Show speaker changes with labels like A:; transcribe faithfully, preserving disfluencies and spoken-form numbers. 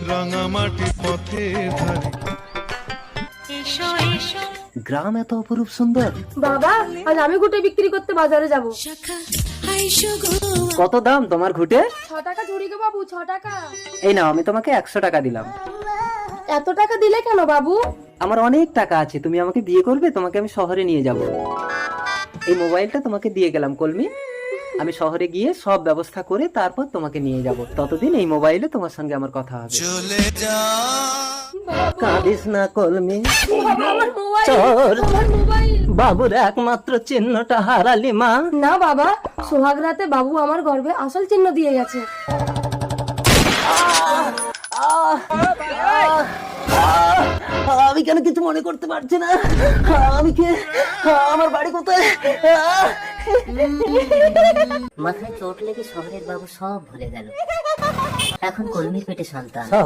A: রাঙামাটি পথের ধারে।
B: গ্রাম এত অপরূপ সুন্দর।
C: বাবা আজ আমি ঘুটে বিক্রি করতে বাজারে যাব।
B: কত দাম তোমার ঘুটে?
C: ছ টাকা ঝুড়ি গো বাবু, ছ টাকা।
B: এই নাও, আমি তোমাকে একশো টাকা দিলাম।
C: এত টাকা দিলে কেন বাবু?
B: আমার অনেক টাকা আছে, তুমি আমাকে বিয়ে করবে, তোমাকে আমি শহরে নিয়ে যাব। এই মোবাইলটা তোমাকে দিয়ে গেলাম কলমি, আমি শহরে গিয়ে সব ব্যবস্থা করে তারপর তোমাকে নিয়ে যাব। ততদিন এই মোবাইলে তোমার সঙ্গে আমার কথা হবে।
A: চলে যা
B: কাঁদিস না কলমি,
C: আমার মোবাইল,
B: চল।
C: আমার মোবাইল।
B: বাবুর একমাত্র চিহ্নটা হারালি মা।
C: না বাবা, সোহাগ রাতে বাবু আমার গর্ভে আসল চিহ্ন দিয়ে গেছে।
B: আমি কেন কিছু মনে করতে পারছি না? আমি কে? আমার বাড়ি কোথায়?
D: মাথায় চোট লেগে শহরের বাবু সব ভুলে গেল। এখন কলমির পেটে সন্তান।